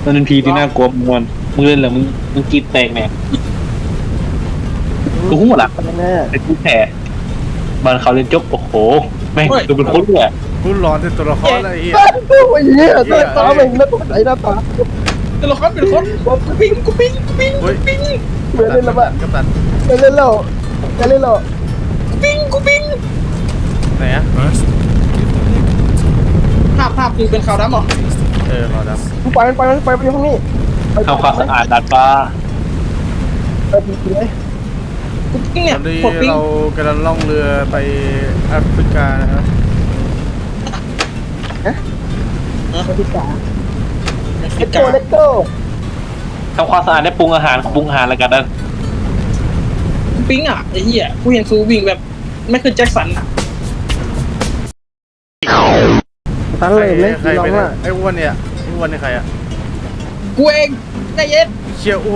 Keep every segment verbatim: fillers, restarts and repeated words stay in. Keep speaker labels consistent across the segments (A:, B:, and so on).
A: มันเป็นพีที่น่ากลัวมันมึงเล่นเหรอมึงมึงกรีดแตกแน่กูหัวหลักไอ้กูแผลบ้านเขาเล่นจบโอ้โหแม่งดูเป็นคนเลย
B: กูร้อนที่ตัวละครอะไรเหี้ย
C: โอ้ยเหี้ยตัวตาเองแล้วตัวไหนหน้าตา
D: แต่ละคนเป็นคนกูปิ้งกูปิ้งกูปิ้งกูปิ้ง
C: เหมือนเล่นแล้วปะ
B: กัปตัน
C: เหมือนเล่นแล้วจะเล่นแล้ว
D: กูปิ้งกูปิ้ง
B: ไหนอะ
E: First, give the leg a good scrubbing.
D: ภาพภาพคือเป็นขาวดำเหรอ
B: เออรอดับ
C: กูไปไปไปไปห้องนี้
A: ทำความสะอาดดัดฟ้า
C: ไปดีเลย
D: กูปิ้ง
B: ต
D: เนี่ย
B: อนนี้
D: กดปิ้ง
B: เรากำลังล่องเรือไปแอฟริกานะครับ
C: ไปดีกว่า
D: เล
C: เล็กโก้เล็กโก้
A: ทำความสะอาดได้ปรุงอาหารปรุงอาหารแล้วกันนะ
D: ปิ้งอ่ะไอ้เหี้ยกูเห็นซูวิ่งแบบไม่คือแจ็คสันอ่ะ
C: ตั้งเลยเลย
B: ใคร
C: ลอง
B: เป็น
C: ว่า
B: ไอ้อ้วนเนี่ยไอ้อ้วนนี่ใครอะ
D: กูเองใจเย็น
B: เชี่ยอ้วน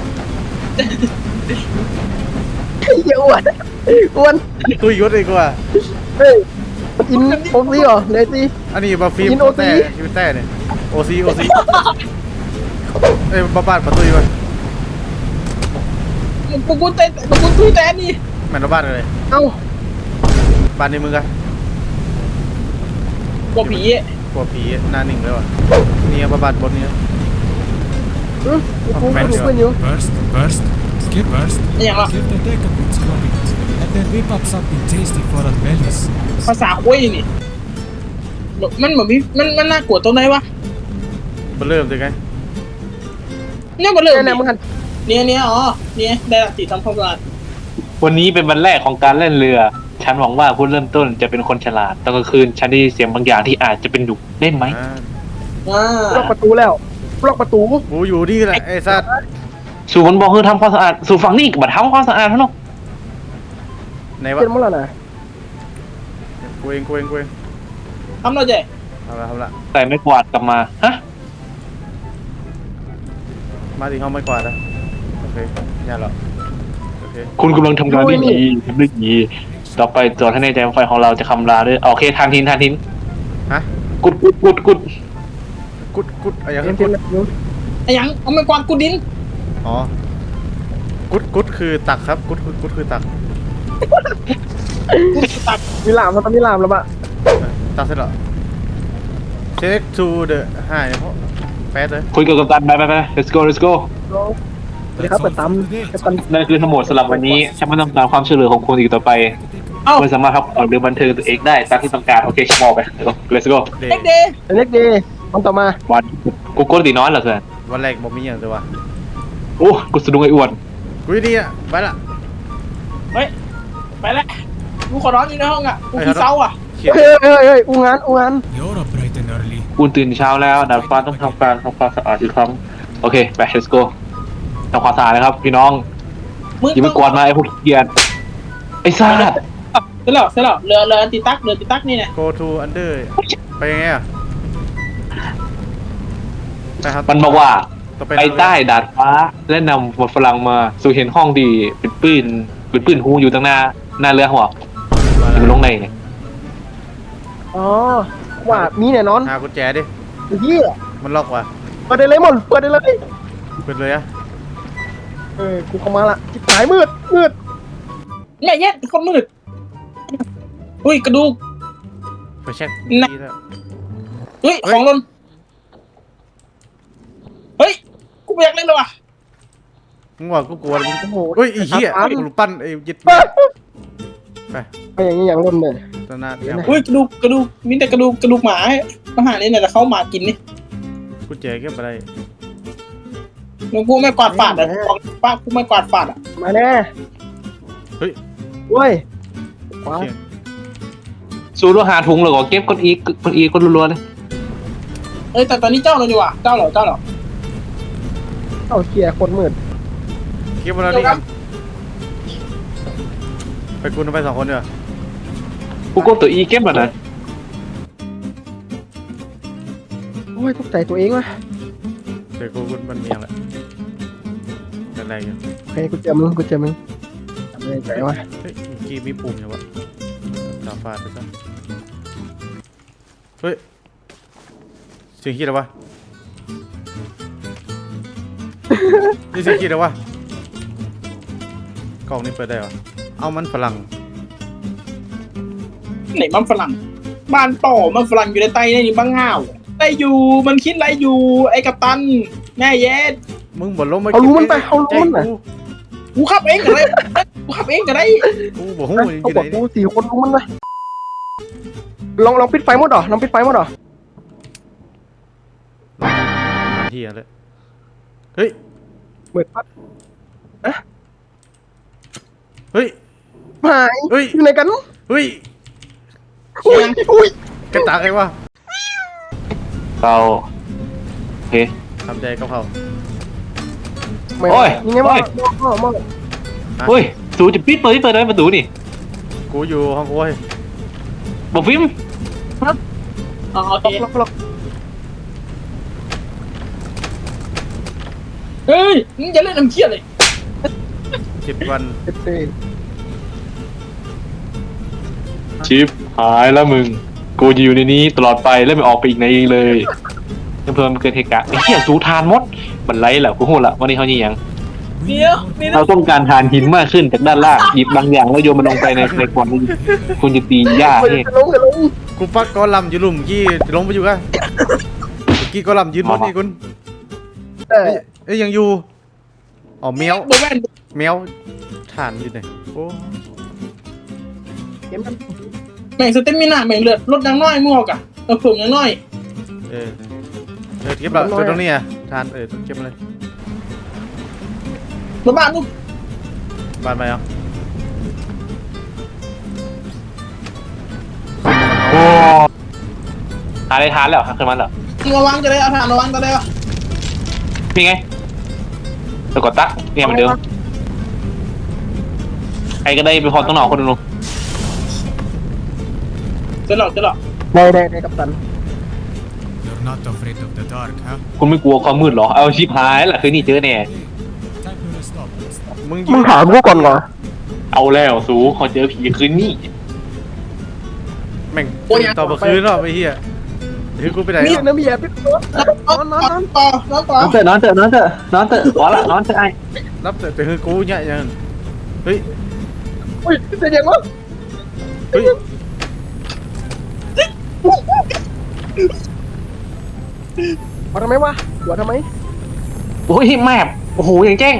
C: เหี้ยอ้วนอ้วน
B: ตุยยศอีกว่า
C: เฮ้ยมันกินโอซีเหรอเลยสิ
B: อันนี้บาฟิล์ม
C: กิน โอ
B: แต่
C: ซี
B: ชีวิตแต่เนี่ยโอซีโอซีเอ้ยบ้าบ้านประตูอยู่วะ
D: กูกูเต้นกูกูตุ้ยแต่นี่
B: แม่นบ้านอะไร
C: เอ้า
B: บ้านในมึงอะ
D: กลัวผี
B: กลัวผีหน้าหนึ่งเลยวะนี่บ้าบ้านบนนี้
C: อืมกูกูดูเพื่อนอยู่
E: First, first, skip first.
D: อย่างละ
E: Give the leg a good scrubbing. And then whip up something tasty for our bellies.
D: ภาษาคุยนี่มันเหมือนพี่มันมันน่ากลัวตรงไหนวะ
B: มาเริ่มเลยไง
D: เนี่ยมันเริ่ม
C: เนี่ยเนี่ยมึงหัน
D: เนี่ยเนี่ยอ๋อเนี่ยได้ละติดทำความสะอาด
A: วันนี้เป็นวันแรกของการเล่นเรือ ฉันหวังว่าผู้เริ่มต้นจะเป็นคนฉลาดตอนกลางคืนฉันได้ยินเสียงบางอย่างที่อาจจะเป็นดุเล่นไหม
B: อ่า
D: อ่า
C: ล็อกประตูแล้วล็อกประตู
B: กูอยู่นี่แหละไอ้สัตว์
A: สู่มันบอกคือทำความสะอาดสู่ฝั่งนี้มาทำความสะอาดเท่านั้น
B: ไหนวะ
C: เป็นมั้งล่ะนะ
B: กูเองกูเองกูเอง
D: ทำเราใจ
B: เอาละเอาละ
A: ใส่ไม่กวาดกลับมาฮะ
B: มาถึงห้องไม่กวาดแล้วโอเคอย่าหรอกโอเค
A: คุณกำลังทำงานได้ดีทำได้ดีต่อไปจอดให้ในใจว่าไฟของเราจะคำราด้วยโอเคทานทินทานทิน
B: ฮะ
A: กุดกุดกุดกุด
B: กุดกุดอะไรอย่าง
C: เล่น
B: เงี้ย
C: เล่
B: กุ
C: น
B: ด
C: เล่น
D: ไอ้ยังเอาไม่กวาดกูดิน
B: อ๋อกุดกุดคือตักครับกุดกุดกุดคือตัก
D: กูตัด
C: มีลามมันต้องมีลามแล้วปะ
B: ตักเสร็จแล้ว take to the หายเพราะแป๊ดเลย
A: คุยกับกัปตันไปไปไป let's go let's go
C: สวัสดีครับเปิดตั้มกัปตัน
A: นั่นคือทั้งหมดสำหรับวันนี้ฉันไม่ต้องการความช่วยเหลือของคุณอีกต่อไป
D: เอ้า
A: คุณสามารถพักผ่อนหรือบันเทิงตัวเองได้ตามที่ต้องการโอเคฉันบอกไป let's go
B: เด
D: เอ็กเดย์
C: เล็กดีวันต่อมา
A: วันกูกดตีน้อยเหรอเพื่อน
B: วันแรกบอกมีอย่างเดียววะ
A: โอ้กูสะดุ้งไอ้อ้วน
B: กูดีอ่ะไปละ
D: เฮ้ยไปแล้วกูขอนอนอยู่ในห้องอ่ะกูขี้เศร้าอ่ะ
B: เขียน
C: เฮ้ยเฮ้ยเฮ้ยอูงานอูงาน
E: You're up bright and early.
A: กูตื่นเช้าแล้วดาดฟ้าต้องทำการทำความสะอาดอีกครั้งโอเคไป let's go ทำความสะอาดนะครับพี่น้อง
D: มึง
A: อย่าไปกวนมาไอ้พวกเกียรไอ้ซ่า
D: เสร็จแล้วเสร็จแล้วเรือเรือติตักเรือติตักนี่เนี่ย
B: โก to under ไปยังไงอ่ะไปครับ
A: มันบอกว่า
B: ต่อ
A: ไปใต้ดาดฟ้าและนำหมวดฝรั่งมาสู่เห็นห้องดีเป็นปืนเป็นปืนหูอยู่ตั้งหน้าหน้าเรือหัวอยู่ลงในเนี่ย
C: อ๋อว่ามีแน่นอน
B: หากุญแจดิ
C: เฮีย
B: มันล็อกว่ะ
C: เปิดได้เลยหมดเปิดได้เลย
B: เปิดเลยอ่ะ
C: เออกูเข้ามาละจิบหายมืดมืด
D: แม่เย็ดคนมืดอุ้ยกระดูก
B: ไปเช็ค
D: น่ะ
B: ดีแล้ว
D: เฮ้ยของหล่นเฮ้ยกูไม่อยากเล่นเลยว่ะ
B: มึงว่ากูกลัวเลยมึง
C: โอ้โห
B: เฮ้ยไอ้เหี้ยกูปั้นไอ้ยึดไป
C: ไปอย่างนี้อย่างล้นเลย
B: ตอนหน้าเดี๋ยว
D: อุ้ยกระดูกกระดูกมีแต่กระดูกกระดูกหมามาหาเนี่ยแต่เขาหมากินนี่
B: กุญแจเก็บอะไร
D: แล้วกูไม่กวาดฝาดอ่ะของป้ากูไม่กวาดฝาดอ่ะ
C: มาแน่
B: เฮ้ย
C: เว้ยว้า
B: เขียน
A: สูดหาถุงเลยก็เก็บก้นอีกก้นอีกก้นรัวๆเลย
D: เอ้ยแต่ตอนนี้เจ้าเลยดีกว่าเจ้าเหรอเจ้าเหรอ
C: เอาเกียร์คนมืด
B: เก็บอะไรนี่กันไปกูไปสองคนเดียว
A: กูกดตัวอีเก็บแบบนั้น
C: โอ้ยตกใจตัวเองวะ
B: เดี๋ยวกูกูมันเมียงแหละอะไรอยู่
C: โอเคกูเจอมึงกูเจอมึงทำไมใจวะ
B: เฮ้ยเมื่อกี้มีปุ่มอยู่วะตาฟาดไปซะเฮ้ยเสียงคิดอะไรวะนี่สิคิดเอาวะกล่องนี้เปิดได้เหรอเอามันฝรั่ง
D: ไหนมันฝรั่งบ้านต่อมันฝรั่งอยู่ในไตในนี่บ้างง่าวได้อยู่มันคิดอะไรอยู่ไอ้กัปตันแม่เย็ด
B: มึงบ่ล้มมา
C: เอารู้มันไปเอารู้มันไป
D: กูขับเองก็ได้กูขับเองก็ได้
B: กูบ่ฮู้อยู่
C: เขา
B: ไห
C: บอก
B: น
C: กูสี่คนรู้มันไปลองลองปิดไฟหมดเหรอลองปิดไฟหมดเหรอ
B: เฮียเลยเฮ้ย
C: เหมือนพัด
B: เฮ้ย
C: หาย
B: เฮ้ย
C: อยู่ไหนกัน
B: เฮ้ย
C: อุ้ยอุ้ย
B: กระตากไงวะ
A: เราโอเค
B: ทำใจกับเขา
C: ไม่
A: โอ้ย
C: ยังไงมอมอมอ
A: เฮ้ยสูจะปิดเปิดเปิดได้ประตูนี่
B: กูอยู่ห้องโอ้ย
A: บอกฟิล์ม
D: อ๋อโอเค
C: ล็อกล็อก
D: เฮ้ยมึงอย่าเล่นน้ำเชี่ยเลย
B: เจ็ดวัน
C: เจ็ดเต้น
A: ชิปหายแล้วมึงกูจะอยู่ในนี้ตลอดไปแล้วไม่ออกไปอีกไหนอีกเลยเพิ่มเกิดเหตุการณ์ไอ้เหี้ยสูทานมดมันไรแหละกูโหดละวันนี้เขานี่ยัง
D: เดี๋ยวนี่นะ
A: เราต้องการทานหินมากขึ้นจากด้านล่างหยิบบางอย่างแล้วโยนมันลงไปในในกล่องนี้คุณจะตีหญ้า
C: เฮ้ย
A: ให้
C: จะลงจะลง
B: กูปักกอลัมน์อยู่หลุมกี้ลงไปอยู่กันเมื่อกี้กอลัมน์ยืนบนนี่คุณ
C: แต่
B: เอ้ยเอ้ยยังอยู่อ๋อแมว
D: โบแมน
B: แมวฐานอยู่ไหนโอ้
C: เกมมัน
D: แม่งสเต็มมิน่าแม่งเลือดลดยังน้อยมั่วกะเออผมยังน้อย
B: เออเออเก็บละเก็บตรงนี้อ่ะฐานเออเก็บมาเลย
D: มาบ้านลูก
B: บานไปเอา
A: โอ้หาได้ทานแล้วขึ้นมาแล้ว
D: มึงระวังจะได้เอาฐานระวังจะได้วะ
A: นี่ไงตะกดตะเนี่ยเหมือนเดิมใครก็ได้ไปพอต้องหนอกคนหนึง
D: จะหลอกจะหลอก
C: ได้ได้ได้กัปตัน
E: You're not afraid of the dark, huh?
A: คุณไม่กลัวความมืดเหรอเอาชิปหายล่ะคืนนี้เจอแน่
E: Hey, time to rest up.
B: มึง
C: มึงถามกูก่อนเหรอ
A: เอาแล้วสูเขาเจอผีคืนนี้
B: แม่งต่อมาคืนหรอไอ้เหี้ยถือกูไปไหน
C: นี่น้ำเบียร์พี่นอนนอนนอน
D: ต่อแล้วต่อน
A: อนเถอะนอนเถอะนอนเถอะนอนเถอะขอละนอนเถอะไอ้
B: รับแต่แต่คือกูเนี่ยยังเฮ้ย
C: อุ้ยเสียงยังวะ
B: เฮ้ย
C: มาทำไมวะหัวทำไม
A: โอ้ยแมพโอ้โหอย่างแจ้ง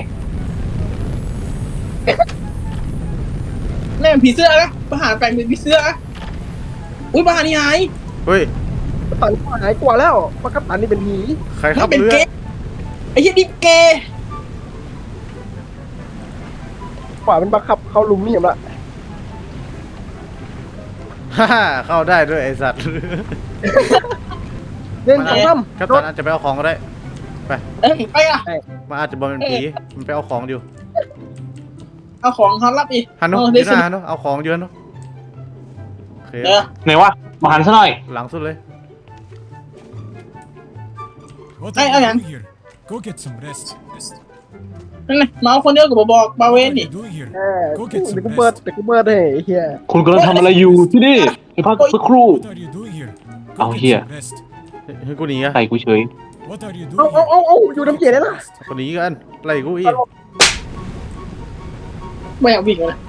D: แม่งผีเสื้อนะประหารแปลงเป็นผีเสื้อนะอุ้ยประหารนี่หาย
B: เฮ้ย
C: กัปตันหายกว่าแล้วเพราะกัปตันนี่เป็นผี
B: ใครขั
D: มั
B: บ
D: นเป็น
B: เรือ
D: เกย์ไอ้เหี้ยนี่เกย์
C: กว่าเป็นบังคับเข้าลุมนี่เห็นละ
B: ฮ่าเข้าได้ด้วยไอ้สัตว์
C: เล่น
B: มัน
C: สอง
B: อาจ
C: ซ้
B: กัป
C: ำร
B: ตั
C: ถ
B: นอาจจะไปเอาของก็ได้ไป
D: เอ้ยไปอ่ะ
B: มันอาจจะบอกเป็นผีมันไปเอาของอยู่
D: เอาของเขารับอีก
B: ฮันโน
D: เออ
B: อ
D: ได้
B: ยู่ห
D: สิ
B: น้าฮันโนเอาของเยอะเนอะโอเค
D: เออ
A: ไหนวะมาหันซะหน่อย
B: หลังสุดเลย
E: What
D: Hey,
E: are you
D: Ayan.
E: doing here? Go get some rest.
D: นั่นไงเมาคนเดียวกับบอกบาเว
E: What
D: น
E: are
D: นี่
E: you doing here?
C: เออ
E: Go
C: เดี๋
E: get
C: ยว
E: some
C: กูเปิด
E: rest.
C: เดี๋ยวกูเปิดให้ไอ้เหี้ย
A: คุณกำลังทำอะไรอยู่ที่นี่ไปพักสักครู่
E: What are you doing here? Go
A: Oh,
E: get
A: here.
E: some rest.
B: เฮ้ยกูหนีอะ
A: ใส่กูเฉย
E: What are you
C: เอา
E: doing
C: เอา
E: here?
C: เอาเอาอยู่น้ำเกียร์ได้ละ
B: กูหนีกันไล่กูอีก
D: ไม่อยากวิ่งเลย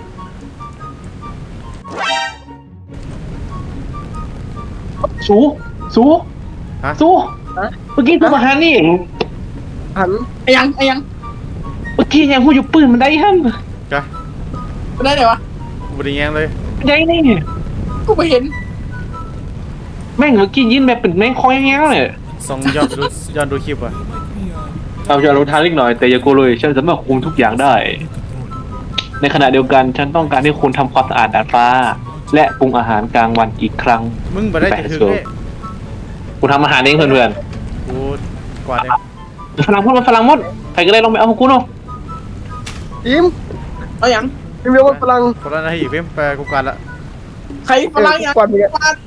A: สูสู
B: ฮะ
A: สูเมื่อกี้กูมาหันนี่
C: หัน
D: ไอ้ยังไอ้ยัง
A: เมื่อกี้ยังพูดอยู่ปืนมันได้ฮั่น
B: จ้ะ
D: ได้ไหนวะ
B: กูไม่ได้แย้งเลย
A: ยังนี่
D: กูไปเห็น
A: แม่งเมื่อกี้ยินแบบเป็นแม่งคอยแง้วเลย
B: ส่องย้อนดูย้อนดูคลิปอ่ะ
E: We might be uh,
A: เราจะรู้ทางเล็กหน่อยแต่อย่าโกลัวเลยฉันสามารถคุมทุกอย่างได้
E: in control.
A: ในขณะเดียวกันฉันต้องการให้คุณทำความสะอาดดาดฟ้า และปรุงอาหารกลางวันอีกครั้ง
B: มึงบ่ได้จะถึงเลย
A: กูทำอาหารเองเพื่อน
B: กูกวาดเอง
A: ๆฝรั่งมดมันฝรั่งมดใครก็ได้ลองไปเอาของกูเนาะ
C: ทีม
D: เอายัง
C: ทีมเรียกว่าพลัง
B: คนละนาทีเพิ่มไปกูกวาดละ
D: ใครพลังยัง
C: กวาดมีกัน
D: ฟาด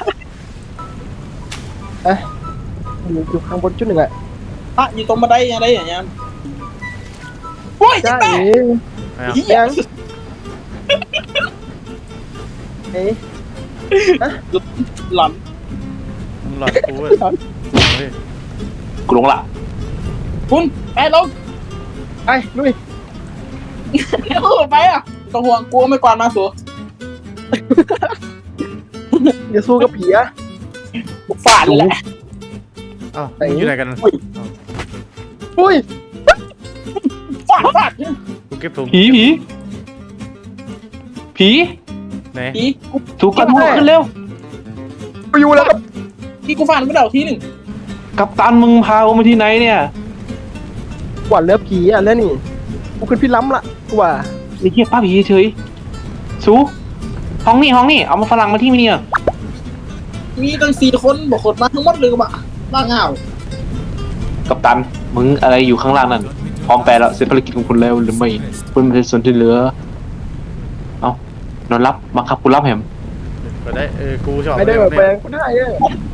C: เอ๊ะอยู่อยู่ข้างบนจุดหนึ่งอะ
D: พระอยู่ตรงบันไดอะไรอย่างเงี้ยโอ้ย
C: จ้า
D: แม่
C: เอ๋
B: ไม่เอา
D: เหี้ย
C: ยังเอ๊ะ
D: หลอน
B: มึงหลอดกูเว้ยเฮ้ย
A: กูลงละ
D: คุณไปลง
C: ไปลุย
D: เร็วไปอ่ะต้องห่วงกลัวไม่กวาดมาสู
C: อย่าสู้กับผีอะ
D: กูฟาดเลยแหละ
B: เอ้ามึงอยู่ไหนกัน
C: อุ้ย
D: ฟาดฟาด
B: กูเก็บถุง
A: ผีผีผี
B: ไหน
D: ทีกู
A: สูกันหมดขึ้นเร็ว
C: ไปอยู่แล้วครับ
D: ทีกูฟาดไม่ได้ทีหนึ่ง
A: กัปตันมึงพากูมาที่ไหนเนี่ย
C: กว่าเลือผีอ่ะเลือนี่กูขึ้นพี่ล้ำละกูว่า
A: ไอ้เหี้ยป้าผีเฉยสูห้องนี่ห้องนี่เอามาฝรั่งมาที่นี่เนี่ย
D: มีตั้งสี่คนบอกคนมาทั้งหมดเลยก็บ่าบ้าเงา
A: กัปตันมึงอะไรอยู่ข้างล่างนั่นพร้อมแปลแล้วเสร็จภารกิจของคุณแล้วหรือไม่คุณเป็นส่วนที่เหลือเอานอนรับมาครับคุณรับแหม
B: ก็ได้เออกูชอบ
C: ไม่ได้แบบแปลงกูได้เออ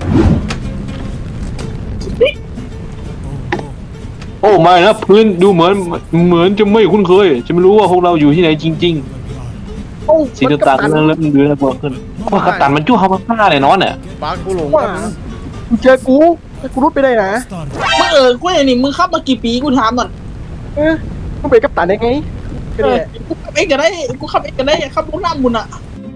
A: โอ้ไม่นะพื้นดูเหมือนเหมือนจะไม่คุ้นเคย จะไม่รู้ว่าพวกเราอยู่ที่ไหนจริง
C: โอ้
A: ๆ สีต่างๆเริ่มเริ่มเดือดแล้วขึ้นว่ากัปตันมันจู้เขามาฆ่าเลยน้อนเนี่ย
B: ปากกูหลง
C: ว่ากูเจอกูแต่กูรุดไปได้นะ
E: Start.
D: มึงเออกูไอ้นี่มึงขับมากี่ปีกูถามหน่อย
C: เออมึงเป็นกัปตันได้ไงก็
D: เอ
C: เนี่
D: อย กูขับเองก็ได้กูขับเองก็ได้ขับรถน้ำบุญอ่ะ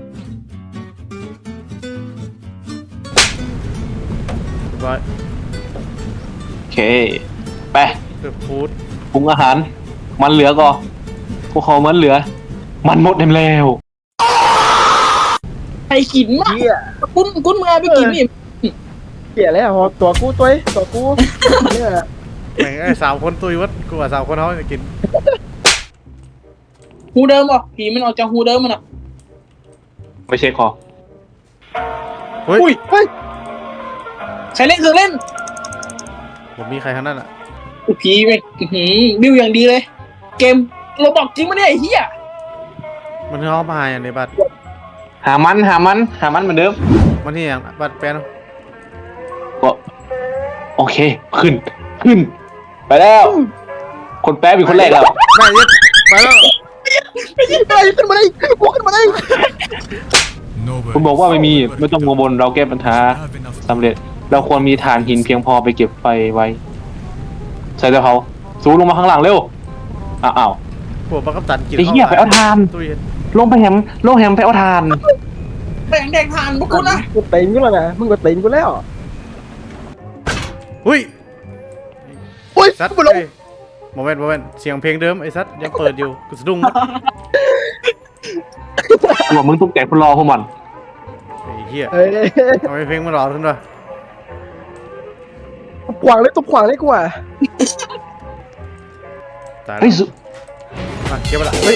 B: ร้อย
A: โอเคไป
B: เกือบฟูด
A: ปรุงอาหาร มันเหลือก็พวกเขามันเหลือ มันหมดเต็มแล้ว
D: ใครกินมาก
C: เหี้ย
D: คุณคุณมึงเอาไปกินนี่
C: เหี้ยแล้วพอตัวกูตัวตัวกูเนี่ย
B: แม่งไอ้สาวคนตุยวัดกูว่าสาวคนเขาจะกิน
D: หูเดิมบ่ผีมันออกจากหูเดิมมันอ่ะ
A: ไม่ใช่คอ
B: เฮ้ย
D: อุ้ย
C: เฮ้ย
D: ใครเล่นเครื่องเล่น
B: ผมมีใครข้างนั้นอ่ะ
D: ผีแม่งอื้อหือบิวอย่างดีเลย เกมโรบอกจริงมั้ยเนี่ยไอ้เหี้ย
B: มันเข้ามาอย่างในบัตร
A: หามันหามันหามันเหมือนเดิม
B: มันที่อย่างบัตรแปลน
A: ก็โอเค ขึ้น ขึ้น ไปแล้ว คนแป๊บเป็นคนแรกแล้ว
B: แม่ยึดไปแล้ว
C: ไปขึ้นมาได้กูขึ้นมาได้
E: No
A: คุณบอกว่าไม่มีไม่ต้องกังวลเราแก้ปัญหา
E: have enough.
A: สำเร็จ เราควรมีฐานหินเพียงพอไปเก็บไฟไว้ ใช่แล้วเขาสูงลงมาข้างหลังเร็วอ้าวอ้าว
B: พวกบักกัปตันกิน
A: ไอ้เหี้ยไปเอาทาน
B: ตุย
A: ลงไปแหมลงแหมไปเอาทาน
D: แดงแดงทานพวกคุณนะ
C: กูเต็งกูแล้วนะมึงก็เต็งกูแล้ว
B: หุ้ย
C: โอ้ย
B: ซัด
C: กูลง
B: เอ้ยโมเมนต์โมเมนต์เสียงเพลงเดิมไอ้ซัดยังเปิดอยู่กูสะดุ้งหมด
A: บอกมึงต้องแจกคนรอพวกมัน
B: ไอ้เหี้ย
C: เอ้ย
B: ทำไมเพลงมันรอขึ้นวะ
C: ขวางเลยตบขวางเลยกูอ่ะ
B: ตายแล้
A: เฮ้ยว สุ
B: มาเก็บไปละเฮ้ย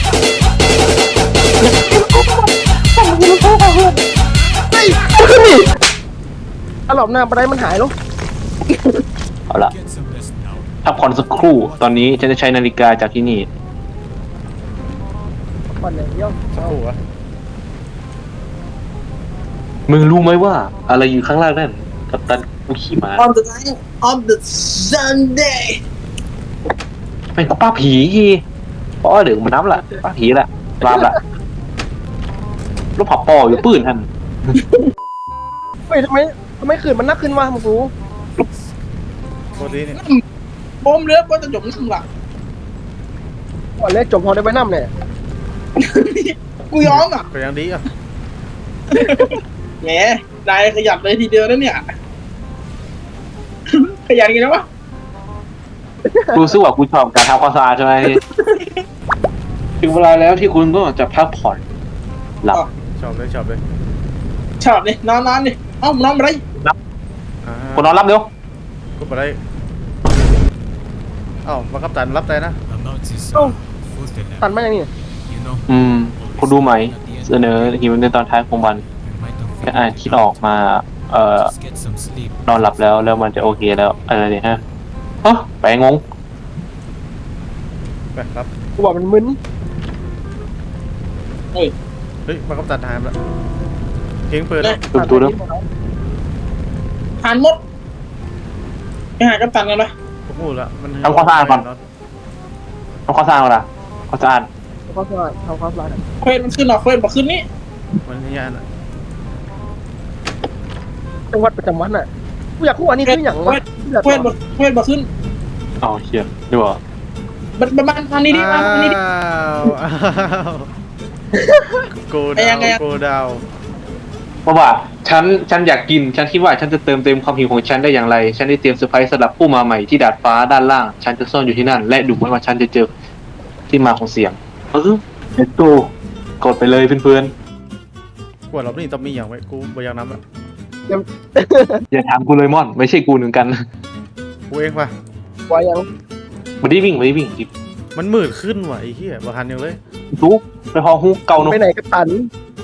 C: เฮ้ยกูขึ้นดิอารมณ์หน้าบันไดมันหายแล้ว
A: เอาละ
E: Get some rest now.
A: พักผ่อนสักครู่ ตอนนี้ฉันจะใช้นาฬิกาจากที่นี่
C: มันอย่างเดียว
B: สักครู่วะ
A: มึงรู้ไหมว่า อะไรอยู่ข้างล่างนั่นกับตันกูขี่ม้า
D: on the night of the Sunday
A: เป็นป้าผีป้อเดี๋ยวมันน้ำละป้าผีละรามละลูกผับปออยู่ปืนท่าน
C: เฮ้ยทำไมทำไมขืนมันนักขึ้นวะมึงรู้
B: โคตรดีนี่
D: โบมเรือว่าจะจมน้ำหลัก
C: ก่อนแรกจบพอได้ไว้น้ำเนี่ย
D: กูยอมอ่ะ
B: ก็ยังดีอ่ะ
D: แหมได้ขยันเลยทีเดียวนะเนี่ย ขยันกันนะวะ
A: กูรู้สึกว่ากูชอบการทำความสะอาดใช่ไหมถึงเวลาแล้วที่คุณก็จะพักผ่อนหลับ
B: ชอบเลยชอบเลย
D: ชอบนี่นอนนอนนี่เอ้านอนอะไร
B: อ่า
A: คนนอนรับเร็ว
B: กูไปได้เอ้าบักกัปตันรับใจนะ
E: I'm not this
C: Oh.
E: uh, food that
C: ตันมาอย่างนี้
E: you know.
A: อืมคุณดูไหมเสนอหิวในตอนท้ายของวัน
E: We might not
A: ก็
E: feel
A: อ่านคิดออกมา เอ่อ
E: Just get some sleep.
A: นอนหลับแล้วแล้วมันจะโอเคแล้วอะไรเนี่ยฮะเฮ้ยไปงง
B: ไปรับ
C: กูบอกมันมึน
D: เฮ้ย
B: เฮ้ยบักกัปตันหายไปละเพลงเปิด
D: เนี่ย
A: ดูดูดู
D: ทานหมดไปหากัปตันกันปะ
B: กูพูดละมัน
A: ทำความสะอาดก่อนทำความสะอาดก่อนละความสะอาด
C: ทำความสะอาดทำความสะอาด
D: เควสมันขึ้นหรอเควสบอกขึ้นนี่
B: มันยานอ่ะ
C: จังหวัดประจำวันอ่ะกูอยากรู้อันนี้คืออย่าง
D: เคว
C: วะ
D: สเควสบอกเควสบอกขึ้น
A: เอาเฮียนี่บอก
D: มันมันมันทางนี้ดิมาทางนี้ดิ
B: อ้าวอ้าวโก
D: ไอ้
B: ดา
D: ยั
B: ว
D: งไงอะ
B: โกดาว
A: เพราะว่าฉันฉันอยากกิน ฉันคิดว่าฉันจะเติมเต็มความหิวของฉันได้อย่างไร ฉันได้เตรียมเซอร์ไพรส์สำหรับผู้มาใหม่ที่ดาดฟ้าด้านล่าง ฉันจะซ่อนอยู่ที่นั่น และดูเหมือนว่าฉันจะเจอที่มาของเสียงเออเอ็ดโกกดไปเลยเพื่อน
B: กว่าเรานี่ต้องมีอย่างไว้กูบอยากน้ำอ่ะ
A: ๆอย่าถามกูเลยม่อน ไม่ใช่กูหนึ่งกัน
B: กูเองป่ะ
C: ไว้ยัง
A: ไม่ได้วิ่งไม่ได้วิ่งจิบ
B: มันมืดขึ้นว่ะไอ้เหี้ยบ่ทันยังเลย
A: ทุกไปหอฮุกเกาเนอะ
C: ไปไหนกัปตัน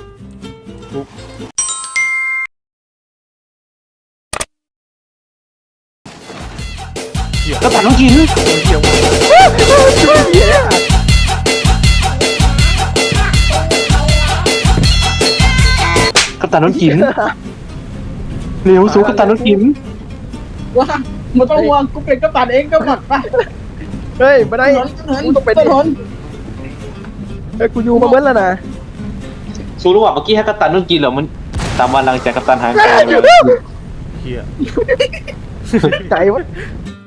A: ก็ตัดน้องกิน
B: เหี้ยว่ะ
C: เหี้ย
A: ก็ตัดน้องกินเร็วสู้ก็ตัดน้องกิน
D: ว่ามันต้องห่วงกูเป็นกัปตันเองก็หมดไป
C: เฮ้ยไม่ได้
D: ถนนถนน
C: กูต้องเป็น
D: ถนน
C: เฮ้ยกูอยู่มาเบิ้ลแล้วนะ
A: สู้รู้ว่าเมื่อกี้ให้กัปตันน้องกินเหรอมันตามวันหลังจากกัปตันหายไป
B: เหี้ย
C: ใจวะ